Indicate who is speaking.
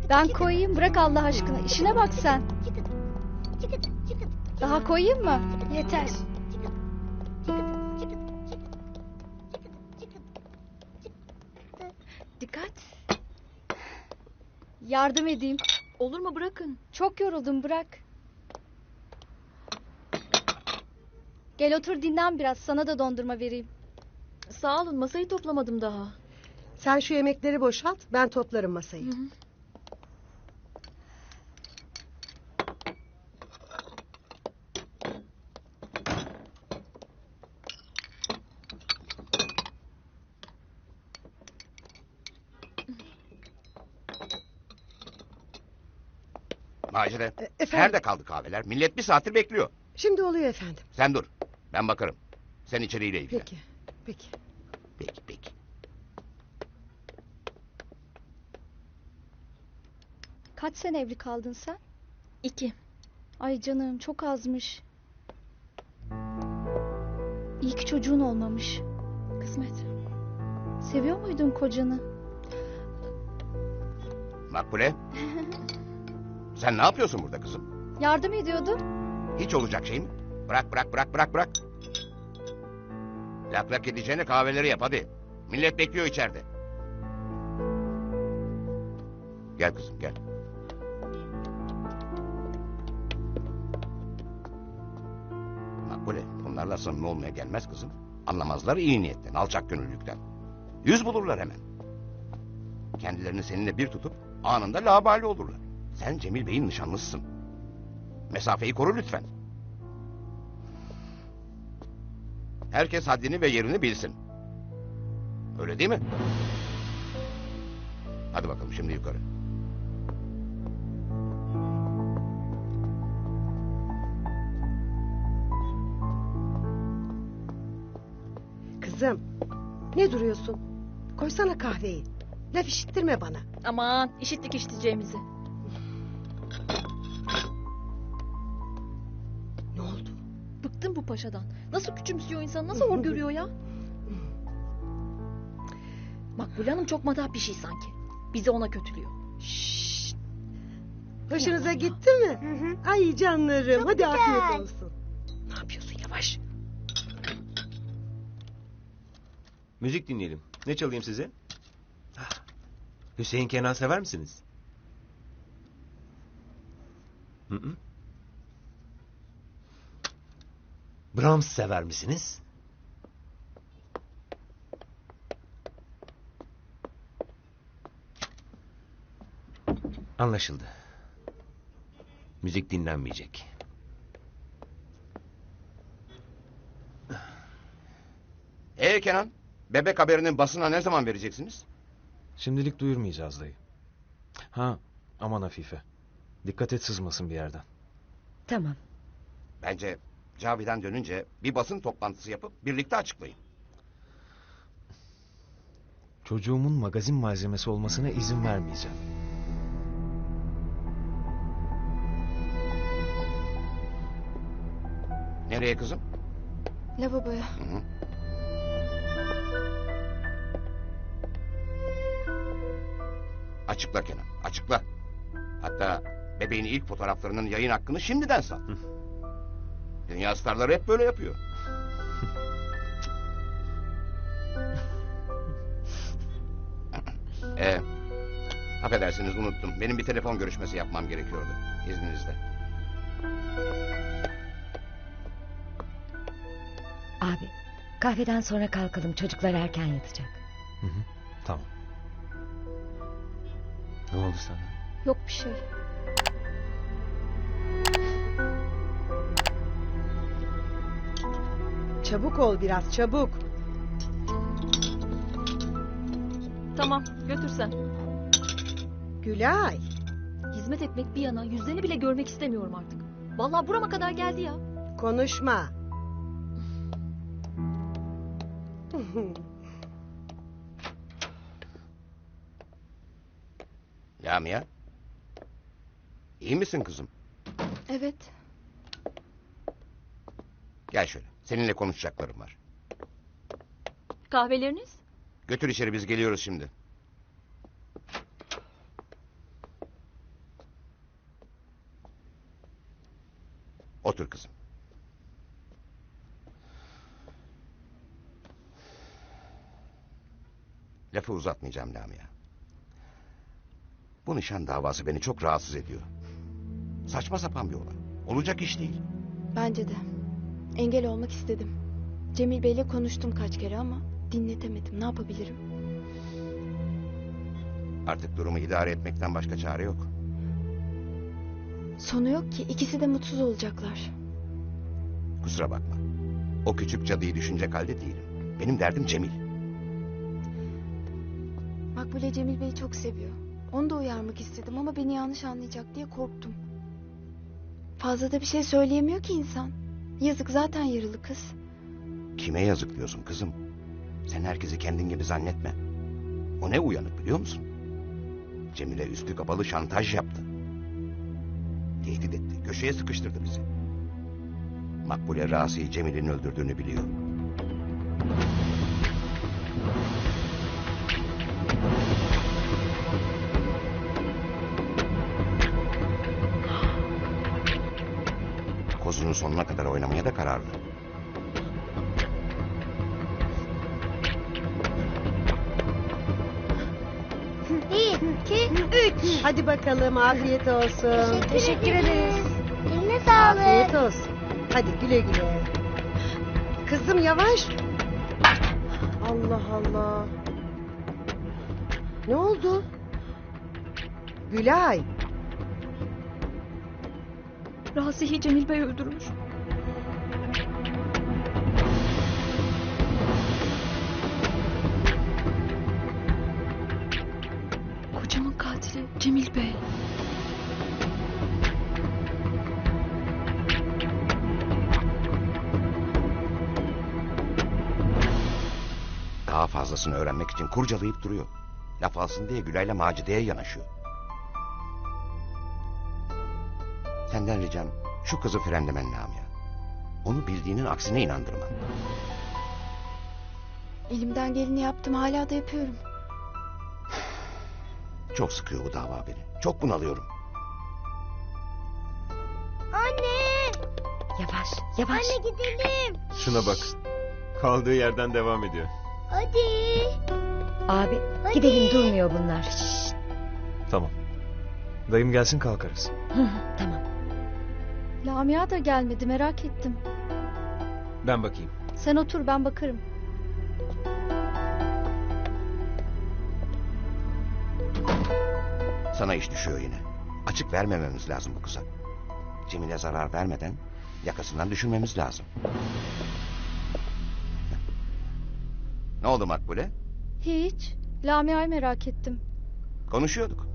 Speaker 1: Ben koyayım, bırak Allah aşkına. İşine bak sen. Daha koyayım mı? Yeter.
Speaker 2: Dikkat.
Speaker 1: Yardım edeyim.
Speaker 2: Olur mu, bırakın.
Speaker 1: Çok yoruldum, bırak. Gel otur dinlen biraz. Sana da dondurma vereyim.
Speaker 2: Sağ olun, masayı toplamadım daha.
Speaker 3: Sen şu yemekleri boşalt, ben toplarım masayı.
Speaker 2: Hı hı.
Speaker 4: Macide,
Speaker 3: Efendim?
Speaker 4: nerede kaldı kahveler? Millet bir saattir bekliyor.
Speaker 3: Şimdi oluyor efendim.
Speaker 4: Sen dur, ben bakarım. Sen içeriğiyle ilgilen.
Speaker 3: Peki, peki.
Speaker 4: Peki, peki.
Speaker 1: Kaç sene evli kaldın sen?
Speaker 2: 2.
Speaker 1: Ay canım, çok azmış. İyi ki çocuğun olmamış.
Speaker 2: Kısmet.
Speaker 1: Seviyor muydun kocanı?
Speaker 4: Makbule. Sen ne yapıyorsun burada kızım?
Speaker 1: Yardım ediyordum.
Speaker 4: Hiç olacak şey mi? Bırak, bırak, bırak, bırak, bırak. Lak lak edeceğine kahveleri yap hadi. Millet bekliyor içeride. Gel kızım, gel. Makbule, bunlarla samimi olmaya gelmez kızım. Anlamazlar iyi niyetten, alçak gönüllülükten. Yüz bulurlar hemen. Kendilerini seninle bir tutup anında labali olurlar. Sen Cemil Bey'in nişanlısısın. Mesafeyi koru lütfen. Herkes haddini ve yerini bilsin. Öyle değil mi? Hadi bakalım şimdi yukarı.
Speaker 3: Kızım, ne duruyorsun? Koysana kahveyi. Laf işittirme bana.
Speaker 2: Aman, işittik işiteceğimizi.
Speaker 3: Ne oldu?
Speaker 2: Bıktım bu paşadan. Nasıl küçümsüyor insan, nasıl hor görüyor ya? Makbule Hanım çok madah bir şey sanki. Bizi ona kötülüyor.
Speaker 3: Şşşt. Hoşunuza gitti mi? Ay canlarım, hadi afiyet olsun. Ne yapıyorsun yavaş?
Speaker 5: Müzik dinleyelim. Ne çalayım size? Hüseyin Kenan sever misiniz? Hı hı. Brahms sever misiniz? Anlaşıldı. Müzik dinlenmeyecek.
Speaker 4: Kenan, bebek haberinin basına ne zaman vereceksiniz?
Speaker 6: Şimdilik duyurmayacağız dayı. Ha, aman Afife. Dikkat et sızmasın bir yerden.
Speaker 3: Tamam.
Speaker 4: Bence Cavidan dönünce bir basın toplantısı yapıp birlikte açıklayın.
Speaker 6: Çocuğumun magazin malzemesi olmasına izin vermeyeceğim.
Speaker 4: Nereye kızım?
Speaker 1: Lavaboya.
Speaker 4: Hı hı. Açıkla Kenan, açıkla. Hatta bebeğin ilk fotoğraflarının yayın hakkını şimdiden sat. Dünya starları hep böyle yapıyor. Affedersiniz unuttum. Benim bir telefon görüşmesi yapmam gerekiyordu. İzninizle.
Speaker 7: Abi, kahveden sonra kalkalım. Çocuklar erken yatacak.
Speaker 6: Hı hı, tamam. Ne oldu sana?
Speaker 1: Yok bir şey.
Speaker 3: Çabuk ol biraz, çabuk.
Speaker 2: Tamam, götürsen.
Speaker 3: Gülay.
Speaker 2: Hizmet etmek bir yana, yüzlerini bile görmek istemiyorum artık. Vallahi burama kadar geldi ya.
Speaker 3: Konuşma.
Speaker 4: Lamia. İyi misin kızım?
Speaker 1: Evet.
Speaker 4: Gel şöyle. Seninle konuşacaklarım var.
Speaker 2: Kahveleriniz?
Speaker 4: Götür içeri biz geliyoruz şimdi. Otur kızım. Lafı uzatmayacağım Lamia. Bu nişan davası beni çok rahatsız ediyor. Saçma sapan bir olay. Olacak iş değil.
Speaker 8: Bence de. Engel olmak istedim. Cemil Bey'le konuştum kaç kere ama dinletemedim. Ne yapabilirim?
Speaker 4: Artık durumu idare etmekten başka çare yok.
Speaker 8: Sonu yok ki. İkisi de mutsuz olacaklar.
Speaker 4: Kusura bakma. O küçük cadıyı düşünecek halde değilim. Benim derdim Cemil.
Speaker 8: Makbule Cemil Bey'i çok seviyor. Onu da uyarmak istedim ama beni yanlış anlayacak diye korktum. Fazla da bir şey söyleyemiyor ki insan. Yazık, zaten yaralı kız.
Speaker 4: Kime yazık diyorsun kızım? Sen herkesi kendin gibi zannetme. O ne uyanık biliyor musun? Cemile üstü kapalı şantaj yaptı. Tehdit etti, köşeye sıkıştırdı bizi. Makbule Rasi'yi Cemil'in öldürdüğünü biliyor. Kozunu sonuna kadar oynamaya da kararlı.
Speaker 9: Bir, iki, üç.
Speaker 3: Hadi bakalım, afiyet olsun.
Speaker 1: Teşekkür ederiz.
Speaker 9: Eline sağlık.
Speaker 3: Afiyet olsun. Hadi güle güle. Kızım yavaş. Allah Allah. Ne oldu? Gülay.
Speaker 2: Razi'yi Cemil Bey öldürmüş. Kocamın katili Cemil Bey.
Speaker 4: Daha fazlasını öğrenmek için kurcalayıp duruyor. Laf alsın diye Gülay'la Macide'ye yanaşıyor. Senden ricam şu kızı frenlemen Lamia. Onu bildiğinin aksine inandırman.
Speaker 8: Elimden geleni yaptım, hala da yapıyorum.
Speaker 4: Çok sıkıyor bu dava beni. Çok bunalıyorum.
Speaker 9: Anne.
Speaker 7: Yavaş, yavaş.
Speaker 9: Anne gidelim.
Speaker 5: Şuna bak. Kaldığı yerden devam ediyor.
Speaker 9: Hadi.
Speaker 7: Abi,
Speaker 9: Hadi.
Speaker 7: gidelim, durmuyor bunlar.
Speaker 6: Tamam. Dayım gelsin kalkarız.
Speaker 7: Hı hı, tamam.
Speaker 1: Lamia da gelmedi, merak ettim.
Speaker 6: Ben bakayım.
Speaker 1: Sen otur, ben bakarım.
Speaker 4: Sana iş düşüyor yine. Açık vermememiz lazım bu kıza. Cemile zarar vermeden yakasından düşürmemiz lazım. Ne oldu Makbule?
Speaker 1: Hiç. Lamia'yı merak ettim.
Speaker 4: Konuşuyorduk.